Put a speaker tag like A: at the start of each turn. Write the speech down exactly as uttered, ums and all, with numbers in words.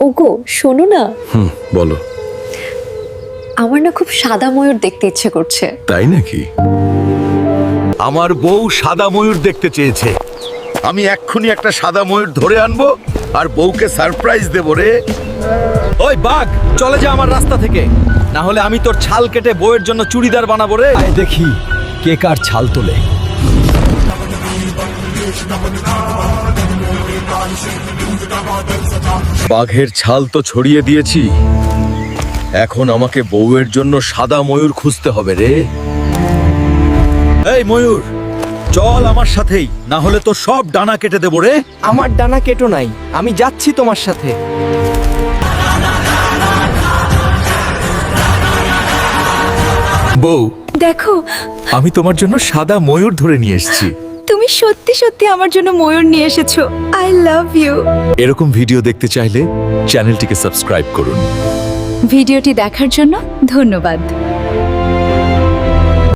A: ওগো শোনো না,
B: হুম বলো।
A: আমার না খুব সাদা ময়ূর দেখতে ইচ্ছে করছে।
B: তাই নাকি? আমার বউ সাদা ময়ূর দেখতে চেয়েছে। আমি এক্ষুনি একটা সাদা ময়ূর ধরে আনবো আর বউকে সারপ্রাইজ দেবো রে।
C: ওই বাঘ, চলে যা আমার রাস্তা থেকে, না হলে আমি তোর ছাল কেটে বউয়ের জন্য চুড়িদার বানাবো রে। আয় দেখি কে কার ছাল তোলে।
B: বাঘের ছাল তো ছড়িয়ে দিয়েছি, এখন আমাকে বউয়ের জন্য সাদা ময়ূর খুঁজতে হবে রে।
C: এই ময়ূর, চল আমার সাথেই, না হলে তোর সব ডানা কেটে দেবো রে।
D: আমার ডানা কেটো নাই, আমি যাচ্ছি তোমার সাথে।
C: বউ,
A: দেখো,
C: আমি তোমার জন্য সাদা ময়ূর ধরে নিয়ে এসেছি।
A: তুমি সত্যি সত্যি আমার জন্য ময়ূর নিয়ে এসেছো। I love you.
C: এরকম ভিডিও দেখতে চাইলে চ্যানেলটিকে সাবস্ক্রাইব করুন।
A: ভিডিওটি দেখার জন্য ধন্যবাদ।